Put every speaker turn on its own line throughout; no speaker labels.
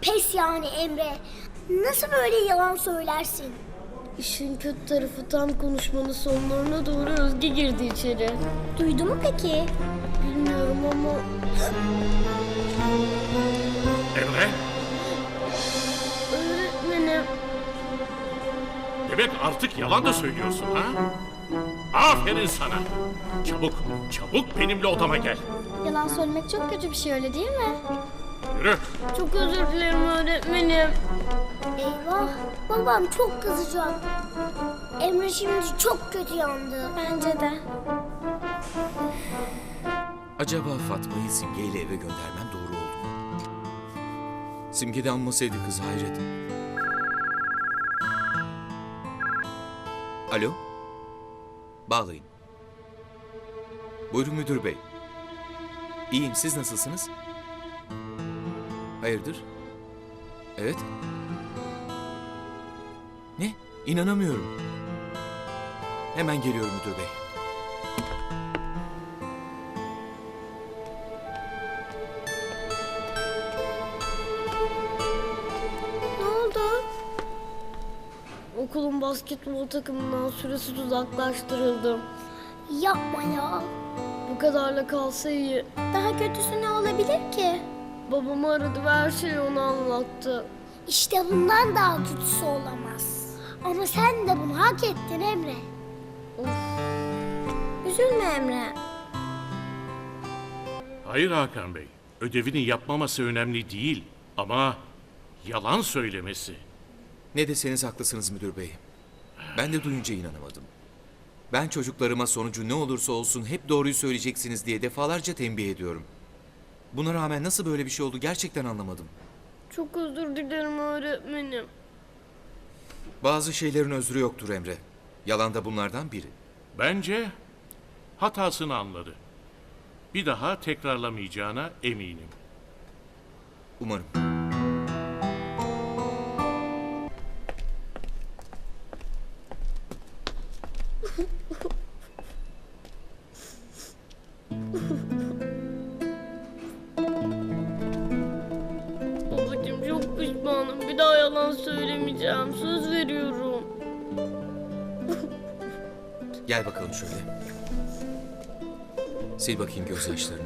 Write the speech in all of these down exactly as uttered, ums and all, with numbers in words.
Pes yani Emre. Nasıl böyle yalan söylersin?
İşin kötü tarafı tam konuşmanın sonlarına doğru Özge girdi içeri.
Duydu mu peki?
Bilmiyorum ama...
Emre,
Öğretmenim.
demek artık yalan da söylüyorsun ha? Aferin sana. Çabuk, çabuk benimle odama gel.
Yalan söylemek çok kötü bir şey, öyle değil mi?
Yürü.
Çok özür dilerim öğretmenim.
Eyvah, babam çok kızacak. Emre şimdi çok kötü yandı. Bence de.
Acaba Fatma'yı Simge ile eve göndermem doğru oldu mu? Simge de amma sevdi kızı, hayret. Alo? Bağlayın. Buyurun müdür bey. İyiyim, siz nasılsınız? Hayırdır? Evet. Ne? İnanamıyorum. Hemen geliyorum müdür bey.
Ne oldu? Okulun basketbol takımından süresiz uzaklaştırıldım.
Yapma ya.
Bu kadarla kalsa iyi.
Daha kötüsü ne olabilir ki?
Babamı aradı ve her şeyi ona anlattı.
İşte bundan daha kötüsü olamaz. Ama sen de bunu hak ettin Emre.
Of.
Üzülme Emre.
Hayır Hakan Bey, ödevini yapmaması önemli değil. Ama yalan söylemesi.
Ne deseniz haklısınız müdür bey. Ben de duyunca inanamadım. Ben çocuklarıma sonucu ne olursa olsun hep doğruyu söyleyeceksiniz diye defalarca tembih ediyorum. Buna rağmen nasıl böyle bir şey oldu gerçekten anlamadım.
Çok özür dilerim öğretmenim.
Bazı şeylerin özrü yoktur Emre. Yalan da bunlardan biri.
Bence hatasını anladı. Bir daha tekrarlamayacağına eminim.
Umarım.
Babacığım çok pişmanım. Bir daha yalan söylemeyeceğim. Söz veriyorum.
Gel bakalım şöyle. Sil bakayım gözyaşlarını.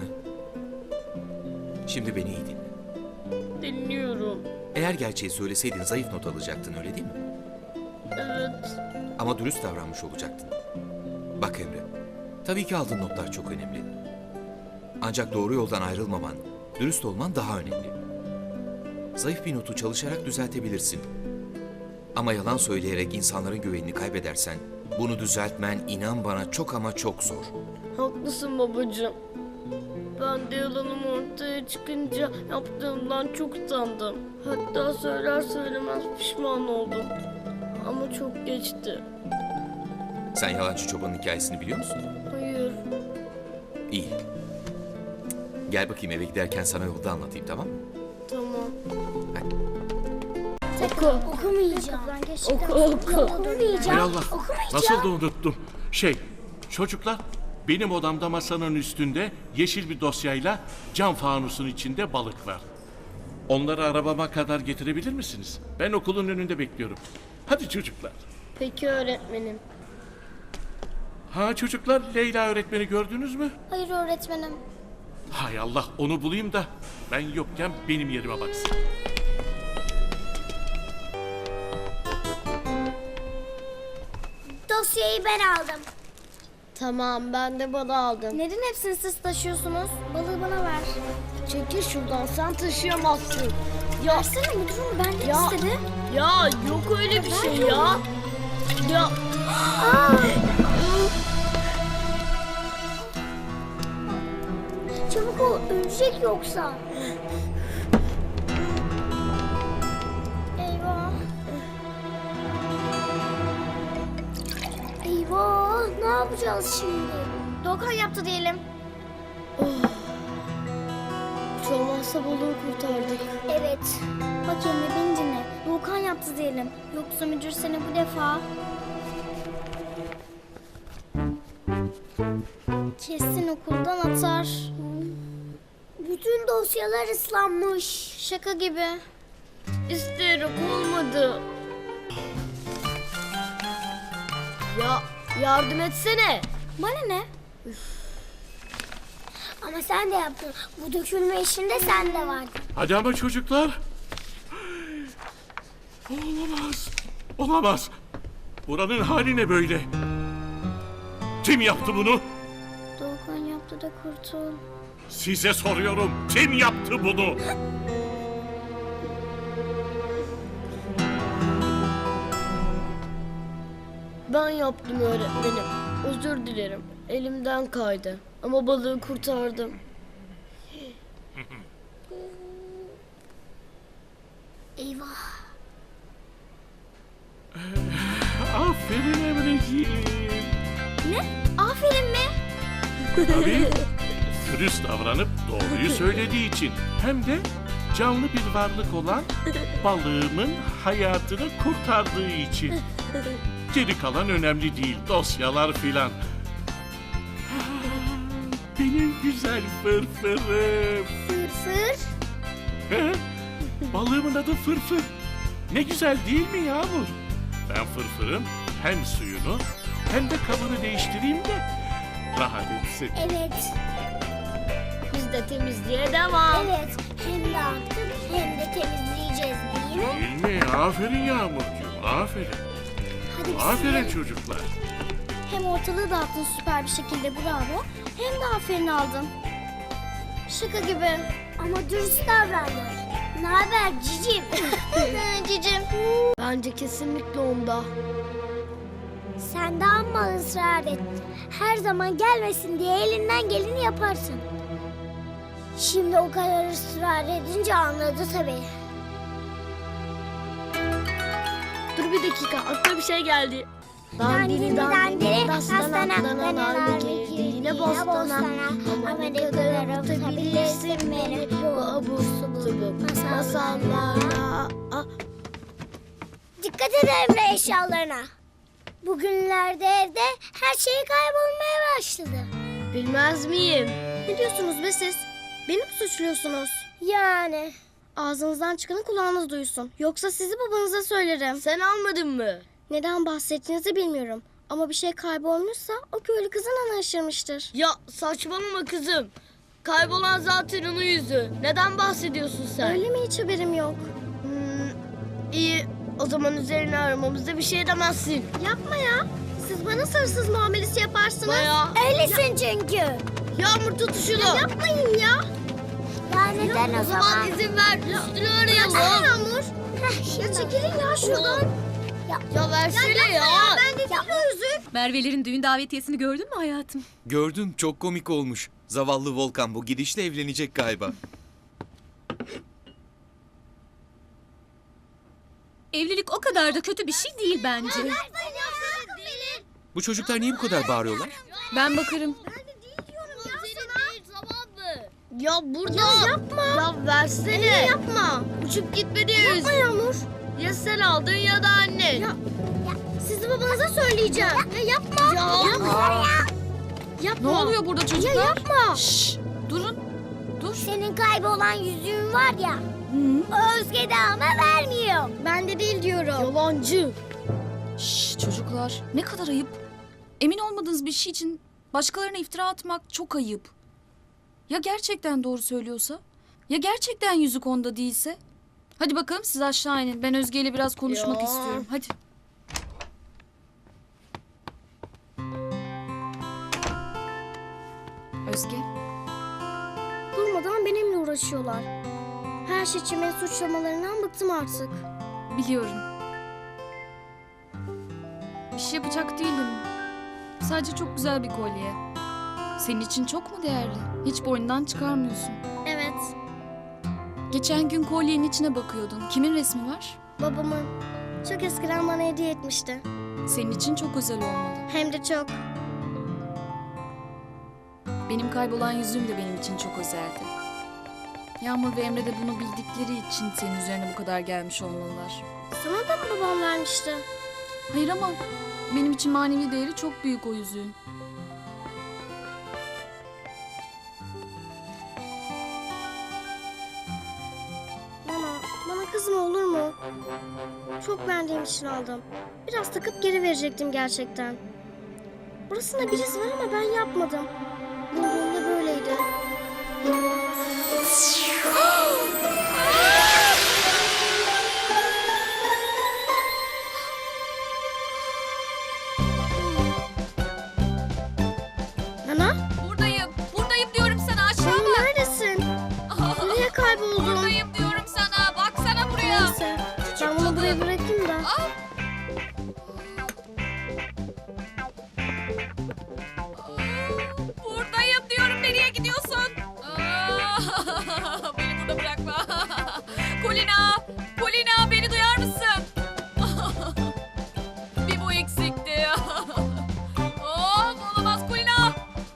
Şimdi beni iyi dinle.
Dinliyorum.
Eğer gerçeği söyleseydin zayıf not alacaktın, öyle değil mi?
Evet.
Ama dürüst davranmış olacaktın. Bak Emre, tabii ki aldığın notlar çok önemli. Ancak doğru yoldan ayrılmaman, dürüst olman daha önemli. Zayıf bir notu çalışarak düzeltebilirsin. Ama yalan söyleyerek insanların güvenini kaybedersen, bunu düzeltmen inan bana çok ama çok zor.
Haklısın babacığım. Ben de yalanım ortaya çıkınca yaptığımdan çok utandım. Hatta söyler söylemez pişman oldum. Ama çok geçti.
Sen yalancı çobanın hikayesini biliyor musun?
Hayır.
İyi. Gel bakayım, eve giderken sana yolda anlatayım, tamam mı?
Tamam.
Hadi.
Oku.
Okumayacağım.
Oku oku.
Hay
Okumayacağım.
Allah,
Okumayacağım.
nasıl da unuttum. Şey, çocuklar, benim odamda masanın üstünde yeşil bir dosyayla cam fanusun içinde balık var. Onları arabama kadar getirebilir misiniz? Ben okulun önünde bekliyorum. Hadi çocuklar.
Peki öğretmenim.
Ha çocuklar, Leyla öğretmeni gördünüz mü?
Hayır öğretmenim.
Hay Allah, onu bulayım da ben yokken benim yerime baksın.
Dosyayı ben aldım.
Tamam, ben de balı aldım.
Neden hepsini siz taşıyorsunuz? Balığı bana ver.
Çekil şuradan, sen taşıyamazsın. Ya,
Versene müdürüm, benden
ya,
istedi.
ya yok öyle bir şey ya. Ya,
Çabuk ol, ölecek yoksa. Eyvah. Eyvah, ne yapacağız şimdi? Doğukan yaptı diyelim.
hiç olmazsa balığı kurtardık.
Evet. Bak Emre, beni dinle. Doğukan yaptı diyelim. Yoksa müdür seni bu defa... kesin okuldan atar. Bütün dosyalar ıslanmış. Şaka gibi.
İsteyerek olmadı. Ya yardım etsene.
Bana ne? Ama sen de yaptın. Bu dökülme işinde sen de vardın.
Hadi ama çocuklar. Olamaz. Olamaz. Buranın hali ne böyle? Kim yaptı bunu?
Doğukan yaptı da kurtul.
Size soruyorum. Kim yaptı bunu?
Ben yaptım öğretmenim. Özür dilerim. Elimden kaydı. Ama balığı kurtardım.
Eyvah.
Aferin Emreciğim.
Ne? Aferin mi?
Tabii. Dürüst davranıp doğruyu söylediği için. Hem de canlı bir varlık olan balığımın hayatını kurtardığı için. Geri kalan önemli değil. Dosyalar filan. Benim güzel fırfırım.
Fırfır.
He? Balığımın adı Fırfır. Ne güzel değil mi Yağmur? Ben Fırfır'ın hem suyunu hem de kabını değiştireyim de rahat etsin.
Evet.
Biz de temizliğe devam.
Evet. Hem dağıttık hem de temizleyeceğiz değil mi?
Değil mi? Aferin Yağmurcuğum. Aferin.
Hadi biz
Aferin
silelim.
çocuklar.
Hem ortalığı dağıttın süper bir şekilde bravo. Hem de aferin aldın. Şaka gibi. Ama dürüst davrandın. Ne haber cicim? Cicim.
Bence kesinlikle onda.
Sen de amma ısrar et. Her zaman gelmesin diye elinden geleni yaparsın. Şimdi o kadar ısrar edince anladı tabii.
Dur bir dakika, aklıma bir şey geldi.
Dandini dandini,
dastana,
dastana,
dana,
danalar
girdi
girdi
yine bostana.
Ama ne kadar tutabilirsin beni bu abur subur masallara.
Ah,
Dikkat et Emre eşyalarına. Bugünlerde evde her şey kaybolmaya başladı.
bilmez miyim?
Ne diyorsunuz be siz? Beni mi suçluyorsunuz? Yani. Ağzınızdan çıkanı kulağınız duysun. Yoksa sizi babanıza söylerim.
Sen almadın mı?
Neden bahsettiğinizi bilmiyorum. Ama bir şey kaybolmuşsa o köylü kızın ana aşırmıştır.
Ya saçmalama kızım. Kaybolan zaten onun yüzü. Neden bahsediyorsun sen?
Öyle mi, hiç haberim yok.
Hmm, iyi. O zaman üzerine aramamızda bir şey demezsin.
Yapma ya. Siz bana hırsız muamelesi yaparsınız.
Bayağı.
Öylesin çünkü.
Yağmur tut şunu.
Yapmayın ya. Ya neden
O zaman izin ver. Üstünü arayalım.
Yağmur. Ya çekilin ya şuradan.
Ya versene ya.
Ben de değil o yüzük.
Merve'lerin düğün davetiyesini gördün mü hayatım?
Gördüm, çok komik olmuş. Zavallı Volkan bu gidişle evlenecek galiba.
Evlilik o kadar da kötü bir şey değil bence.
Bu çocuklar niye bu kadar bağırıyorlar?
Ben bakarım.
Ya burada. Ya yapma. Ya versene.
Anne yapma.
Uçup gitmeliyiz.
Yapma Yağmur.
Ya sen aldın ya da annen.
Ya, sizi babanıza söyleyeceğim. Ya yapma.
Ya.
Yapma.
Ne
Yapma.
oluyor burada çocuklar?
Ya yapma.
Şşş, durun. Dur.
Senin kaybolan yüzüğün var ya.
Hı?
O Özge de ama vermiyor. Ben de değil diyorum.
Yalancı.
Şşş çocuklar, ne kadar ayıp. Emin olmadığınız bir şey için başkalarına iftira atmak çok ayıp. Ya gerçekten doğru söylüyorsa? Ya gerçekten yüzük onda değilse? Hadi bakalım siz aşağı inin. Ben Özge ile biraz konuşmak
Ya.
istiyorum. Hadi. Özge.
Durmadan benimle uğraşıyorlar. Her şey için beni suçlamalarından bıktım artık.
Biliyorum. Bir şey yapacak değilim. Sadece çok güzel bir kolye. Senin için çok mu değerli? Hiç boynundan çıkarmıyorsun.
Evet,
Geçen gün kolyenin içine bakıyordun. Kimin resmi var?
babamın. Çok eskiden bana hediye etmişti.
Senin için çok özel olmalı.
Hem de çok.
Benim kaybolan yüzüğüm de benim için çok özeldi. Yağmur ve Emre de bunu bildikleri için senin üzerine bu kadar gelmiş olmalılar.
Sana da mı babam vermişti?
Hayır ama benim için manevi değeri çok büyük o yüzüğün.
Bana, bana kızma olur mu? Çok beğendiğim için aldım. Biraz takıp geri verecektim gerçekten. Burasında bir iz var ama ben yapmadım. Bulduğumda böyleydi. Nana?
Buradayım. Buradayım diyorum sana, aşağı
Nana
bak.
neredesin? Nereye kayboldun?
Buradayım diyorum sana. Baksana buraya.
Neyse. Ben bunu buraya bırakayım da.
Aa! Buradayım diyorum, nereye gidiyorsun? Aa! Beni burada bırakma. Kulina! Kulina, beni duyar mısın? Bir bu eksikti. Of, olamaz Kulina.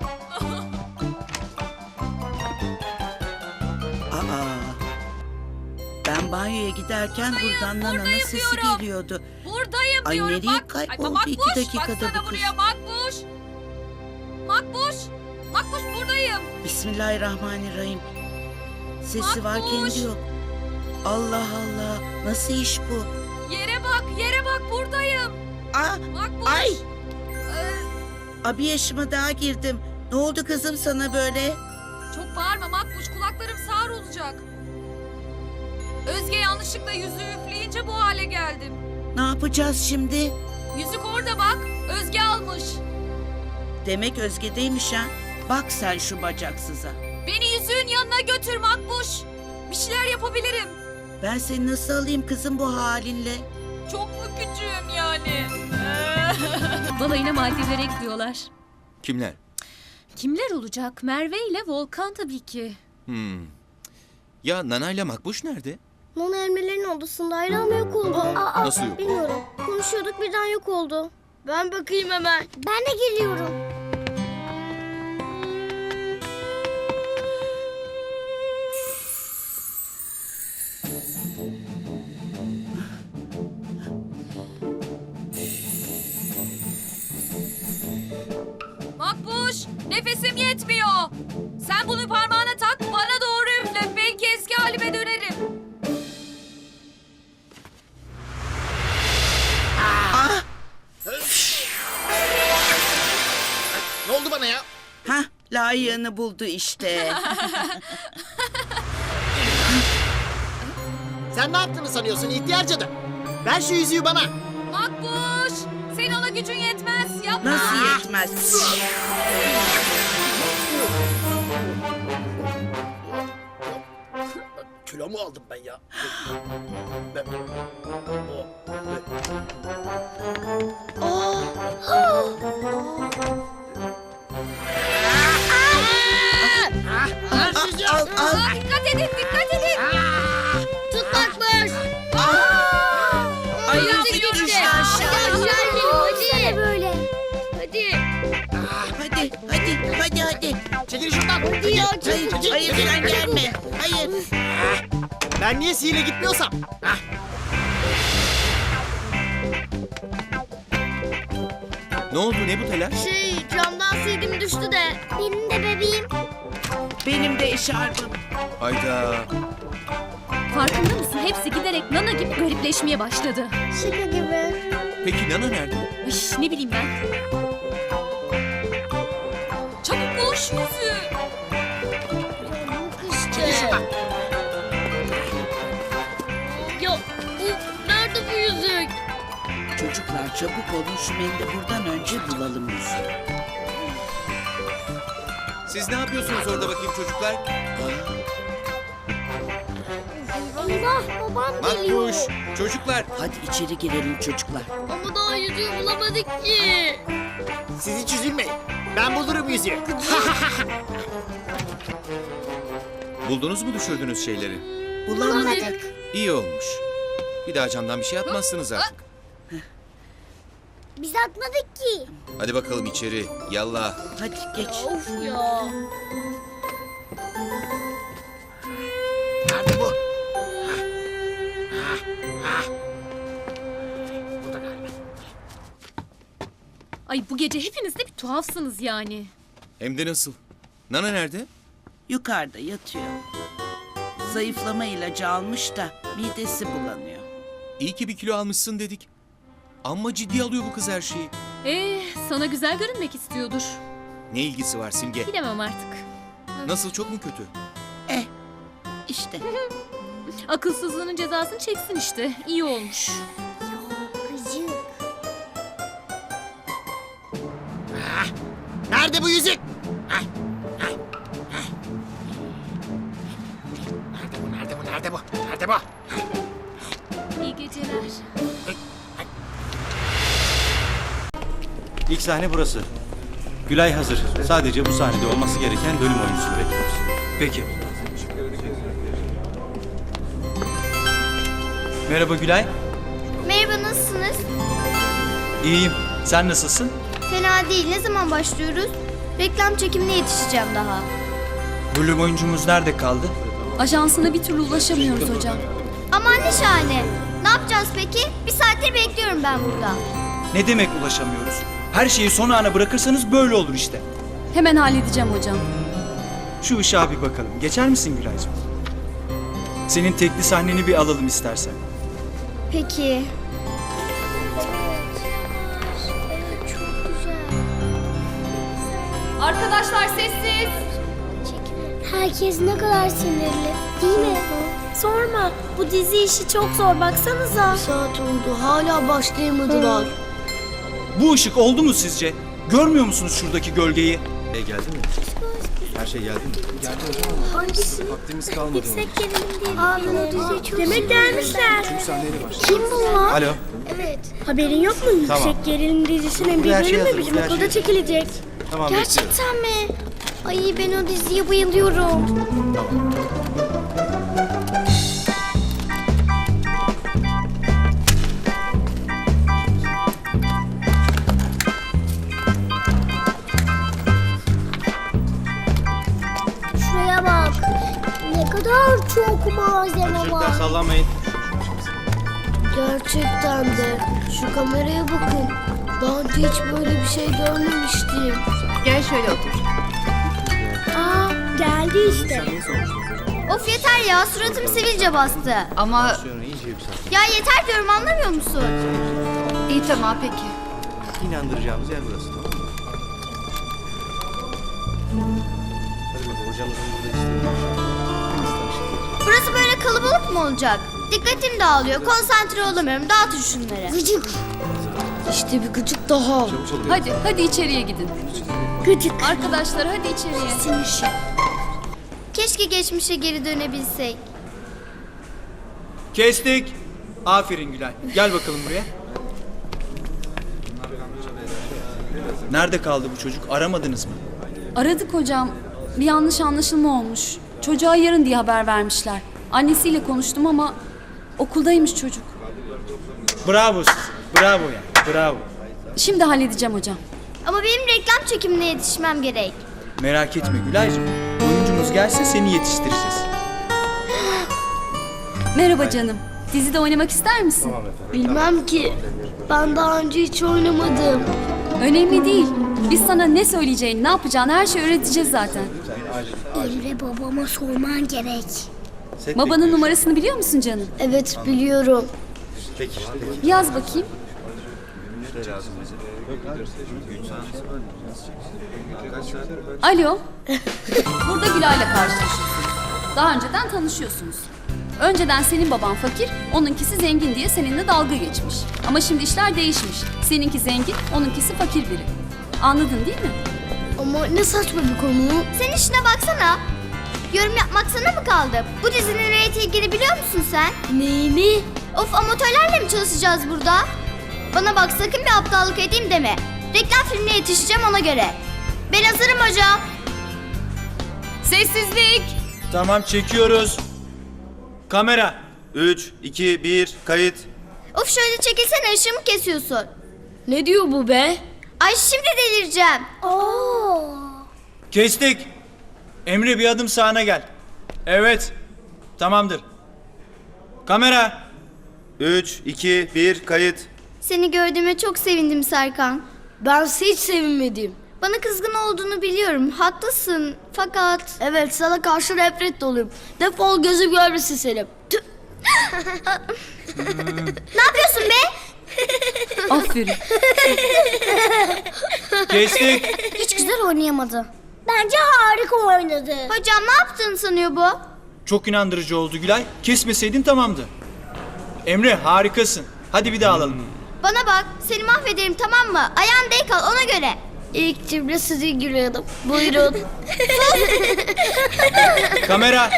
Aa, ben banyoya giderken buradan Nana'nın sesi
diyorum.
geliyordu.
Buradayım
Ay,
diyorum.
nereye
Bak.
kayboldu
Ay, Makbuş,
iki dakikada
baksana
bu kız?
buraya Makbuş. Makbuş. Makbuş, buradayım.
Bismillahirrahmanirrahim. Sesi var
Makbuş.
kendi yok. Allah Allah, nasıl iş bu?
Yere bak, yere bak, buradayım.
Aa,
Makbuş.
ay,
Ee,
abi yaşıma daha girdim. Ne oldu kızım sana böyle?
çok bağırma Makbuş, kulaklarım sağır olacak. Özge yanlışlıkla yüzüğü üfleyince bu hale geldim.
Ne yapacağız şimdi?
Yüzük orada bak, Özge almış.
Demek Özge'deymiş ha. Bak sen şu bacaksıza.
Beni yüzüğün yanına götür Makbuş. Bir şeyler yapabilirim.
Ben seni nasıl alayım kızım bu halinle?
Çok mu küçüğüm yani?
Balayına maddeler ekliyorlar.
Kimler?
Kimler olacak? Merve ile Volkan tabii ki.
Hmm. Ya Nana ile Makbuş nerede?
Nana elmelerin odasındaydı ama yok oldu. Aa,
Nasıl yok?
bilmiyorum. Konuşuyorduk birden yok oldu.
Ben bakayım hemen.
Ben de geliyorum.
Makbuş, nefesim yetmiyor. Sen bunu parmağına tak, bana doğru üfle. Belki eski halime dönerim.
Ne oldu bana ya?
Hah, layığını buldu işte.
Sen ne yaptığını sanıyorsun ihtiyar cadı? Ver şu yüzüğü bana.
Makbuş, senin ona gücün yetmez. Yapma.
Nasıl yetmez?
Kilo mu aldım ben ya? Ben- Ver şu yüzüğü.
Al, al.
Aa, dikkat edin, dikkat edin.
Tutmakmış.
Ay,
Yüzük
yüzük
gitti.
düştü aşağı.
Hadi. Böyle.
Hadi.
Hadi, hadi, hadi, hadi.
Çekil şuradan.
Hadi ya,
Çekil,
Hayır,
çekil,
hayır
çekil.
sen gelme. Hayır.
Ben niye sihirle gitmiyorsam? Hah.
Ne oldu, ne bu telaş?
Şey, camdan sildim düştü de.
Benim de bebeğim.
Benim de eşarbım.
Hayda.
Farkında mısın? Hepsi giderek Nana gibi garipleşmeye başladı.
Şaka gibi.
Peki Nana nerede?
Ay, ne bileyim ben.
Çabuk bul şu yüzüğü.
Yok işte. Ya, bu, nerede bu yüzük?
Çocuklar çabuk olun şu mendili buradan önce bulalım yüzüğü.
Siz ne yapıyorsunuz orada bakayım çocuklar?
Eyvah babam geliyor.
Makbuş, çocuklar.
Hadi içeri girelim çocuklar.
Ama daha yüzüğü bulamadık ki.
Siz hiç üzülmeyin. Ben bulurum yüzüğü.
Buldunuz mu düşürdüğünüz şeyleri?
Bulamadık.
İyi olmuş. Bir daha camdan bir şey atmazsınız artık.
Biz atmadık ki.
Hadi bakalım içeri. Yallah.
Hadi geç.
Of ya.
Nerede bu?
Ay, bu gece hepiniz de bir tuhafsınız yani.
Hem de nasıl? Nana nerede?
Yukarıda yatıyor. Zayıflama ilacı almış da midesi bulanıyor.
İyi ki bir kilo almışsın dedik. Amma ciddi alıyor bu kız her şeyi.
Ee, sana güzel görünmek istiyordur.
Ne ilgisi var Simge?
Bilemem artık.
Nasıl, çok mu kötü?
Eh işte.
Akılsızlığının cezasını çeksin işte. İyi olmuş.
Gıcık.
Nerede bu yüzük? Hah, hah, hah. Nerede bu? Nerede bu? Nerede bu? Nerede bu?
İyi geceler.
İlk sahne burası. Gülay hazır. Sadece bu sahnede olması gereken bölüm oyuncusunu bekliyoruz. Peki. Merhaba Gülay.
Merhaba, nasılsınız?
İyiyim. Sen nasılsın?
Fena değil. Ne zaman başlıyoruz? Reklam çekimine yetişeceğim daha.
Bölüm oyuncumuz nerede kaldı?
Ajansına bir türlü ulaşamıyoruz hocam.
Aman ne şahane. Ne yapacağız peki? Bir saattir bekliyorum ben burada.
Ne demek ulaşamıyoruz? Her şeyi son ana bırakırsanız böyle olur işte.
Hemen halledeceğim hocam.
Şu ışığa bir bakalım. Geçer misin Gülaycığım? Senin tekli sahneni bir alalım istersen.
Peki. Çok güzel.
Arkadaşlar sessiz.
Herkes ne kadar sinirli. Değil mi? Sorma. Bu dizi işi çok zor. Baksanıza.
Saat oldu hala başlayamadılar.
Bu ışık oldu mu sizce? Görmüyor musunuz şuradaki gölgeyi?
E geldi mi? Her şey geldi mi? Geldi hocam.
Hangisi?
Vaktimiz kalmadı.
Yüksek gerilim diye. Aa, ben o diziyi çok Demek gelmişler. Kim bunlar?
Alo.
Evet. Haberin yok mu?
Tamam.
Yüksek gerilim dizisinin bir
Her şey
bölümü
hazır,
bizim
her şey
okulda
hazır.
çekilecek.
Tamam bekliyorum.
Gerçekten mi? Ay ben o diziye bayılıyorum.
Tamam.
Şuraya bak. Ne kadar çok malzeme
Çocuklar
var.
sallanmayın.
Gerçekten de. Şu kameraya bakın. Daha önce hiç böyle bir şey görmemiştim.
Gel şöyle otur.
Aa, geldi işte. Of yeter ya, suratım sivilce bastı.
Ama
Sonra iyice yükselt.
Ya yeter diyorum, anlamıyor musun?
iyi tamam peki.
İnandıracağımız yer burası. Tamam mı? Hadi bakalım hocamızın burada istediği bir şey. Hepimiz tanıştık.
Burası böyle kalabalık mı olacak? Dikkatim dağılıyor, konsantre olamıyorum. Dağıtın şunları. Gıcık.
İşte bir gıcık daha.
Çabuk olun.
Hadi hadi içeriye gidin.
Gıcık.
Arkadaşlar hadi içeriye.
Keşke geçmişe geri dönebilsek.
Kestik. Aferin Gülay. Gel bakalım buraya. Nerede kaldı bu çocuk? Aramadınız mı?
Aradık hocam. Bir yanlış anlaşılma olmuş. Çocuğa yarın diye haber vermişler. Annesiyle konuştum ama okuldaymış çocuk.
Bravo size. Bravo ya. Bravo.
Şimdi halledeceğim hocam.
Ama benim reklam çekimine yetişmem gerek.
Merak etme Gülaycığım. Oyuncumuz gelse seni yetiştireceğiz.
Merhaba canım. Dizide oynamak ister misin?
Bilmem ki. Ben daha önce hiç oynamadım.
Önemli değil. Biz sana ne söyleyeceğini, ne yapacağını her şeyi öğreteceğiz zaten.
Emre babama sorman gerek.
Set
Babanın
bekliyoruz.
numarasını biliyor musun canım?
Evet biliyorum.
Peki. Peki.
Yaz bakayım. Alo. Burada Gülay'la karşılaşıyorsun. Daha önceden tanışıyorsunuz. Önceden senin baban fakir, onunkisi zengin diye seninle dalga geçmiş. Ama şimdi işler değişmiş. Seninki zengin, onunkisi fakir biri. Anladın değil mi?
Ama ne saçma bir konu.
Sen işine baksana. Yorum yapmak sana mı kaldı? Bu dizinin reytingini biliyor musun sen?
Neyini?
Of, amatörlerle mi çalışacağız burada? Bana bak, sakın bir aptallık edeyim deme. Reklam filmine yetişeceğim ona göre. Ben hazırım hocam.
Sessizlik.
Tamam çekiyoruz. Kamera.
üç, iki, bir, kayıt.
Of şöyle çekilsene, ışığımı kesiyorsun.
Ne diyor bu be?
Ay şimdi delireceğim. Oo.
Kestik. Emre bir adım sağına gel. Evet. Tamamdır. Kamera.
üç, iki, bir, kayıt.
Seni gördüğüme çok sevindim Serkan.
Ben hiç sevinmedim.
Bana kızgın olduğunu biliyorum. Haklısın. Fakat...
Evet, sana karşı nefret doluyum. Defol, gözüm görmesin seni. Tüh.
Ne yapıyorsun be?
Aferin.
Kestik.
Hiç güzel oynayamadı. Bence harika oynadı. Hocam ne yaptığını sanıyor bu?
Çok inandırıcı oldu Gülay. Kesmeseydin tamamdı. Emre harikasın. Hadi bir daha alalım.
Bana bak, seni mahvederim tamam mı? Ayağın denk al ona göre.
İlk cümle sizi gülüyordum. Buyurun.
Kamera.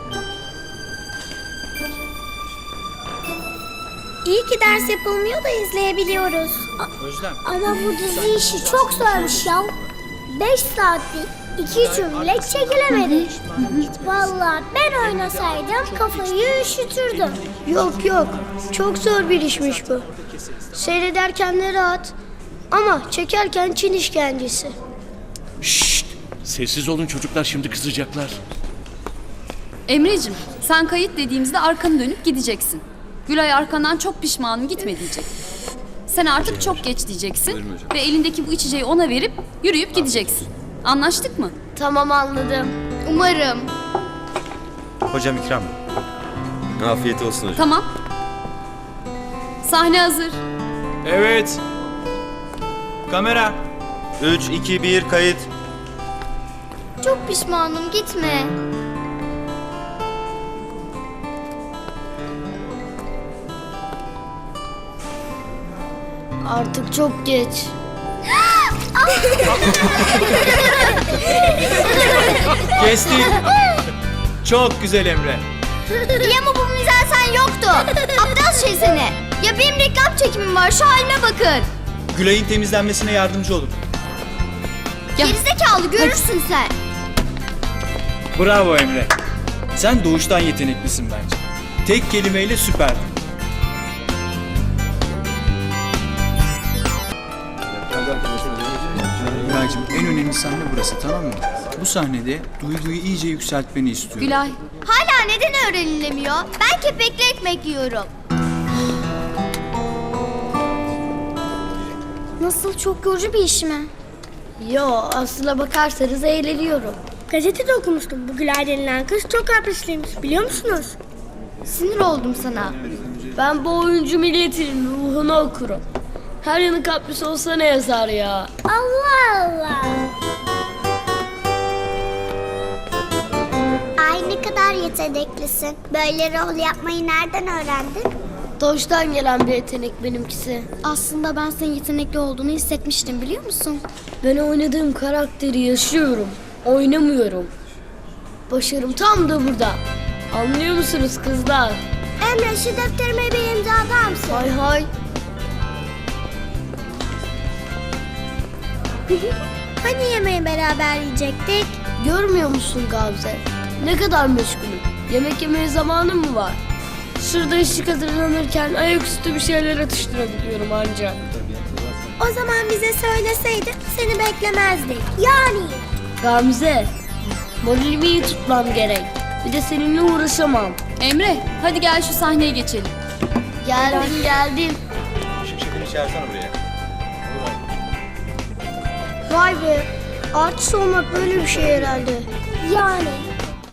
İyi ki ders yapılmıyor da izleyebiliyoruz.
Özlem.
Ama bu dizi işi çok zormuş ya. Beş saatlik iki cümle çekilemedi. Vallahi ben oynasaydım kafayı üşütürdüm.
Yok yok, çok zor bir işmiş bu. Seyrederken de rahat ama çekerken Çin işkencesi.
Şşt! Sessiz olun çocuklar, şimdi kızacaklar.
Emre'cim sen kayıt dediğimizde arkanı dönüp gideceksin. Gülay arkandan çok pişmanım gitme diyecek. Sen artık çok geç diyeceksin ve elindeki bu içeceği ona verip yürüyüp gideceksin. Anlaştık mı?
Tamam, anladım.
Umarım.
Hocam ikram. Afiyet olsun hocam.
Tamam. Sahne hazır.
Evet. Kamera.
üç, iki, bir, kayıt.
Çok pişmanım gitme.
Artık çok geç.
Kestik. Çok güzel Emre.
İyi ama bu mizah sen yoktu. Aptal şey seni. Ya benim reklam çekimim var şu halime bakın.
Gülay'ın temizlenmesine yardımcı olun.
Ya.
Gerizekalı görürsün sen.
Bravo Emre. Sen doğuştan yeteneklisin bence. Tek kelimeyle süperdin. Gülay'cığım en önemli sahne burası tamam mı? Bu sahnede duyguyu iyice yükseltmeni istiyorum.
Gülay.
Hala neden öğrenilemiyor? Ben kepekli ekmek yiyorum. Nasıl çok yorucu bir iş mi?
Yo, aslına bakarsanız eğleniyorum. Gazetede okumuştum. Bu Gülay denilen kız çok kaprisliymiş. Biliyor musunuz?
Sinir oldum sana.
Ben bu oyuncu milletinin ruhunu okurum. Her yanı kapris olsa ne yazar ya?
Allah Allah.
Ay ne kadar yeteneklisin. Böyle rol yapmayı nereden öğrendin?
Doğuştan gelen bir yetenek benimkisi.
Aslında ben senin yetenekli olduğunu hissetmiştim biliyor musun?
Ben oynadığım karakteri yaşıyorum. Oynamıyorum. Başarım tam da burada. Anlıyor musunuz kızlar?
Emre şu defterime bir imza atar mısın?
Hay hay.
Hani yemeği beraber yiyecektik?
Görmüyor musun Gamze? Ne kadar meşgulüm. Yemek yemeye zamanım mı var? Şurada ışık hazırlanırken ayaküstü bir şeyler atıştırabiliyorum ancak.
O zaman bize söyleseydin seni beklemezdik. Yani.
Gamze, moralimi iyi tutmam gerek. Bir de seninle uğraşamam.
Emre hadi gel şu sahneye geçelim.
Geldim geldim.
Şefini çağırsana buraya.
Vay be, artist olmak böyle bir şey herhalde.
Yani.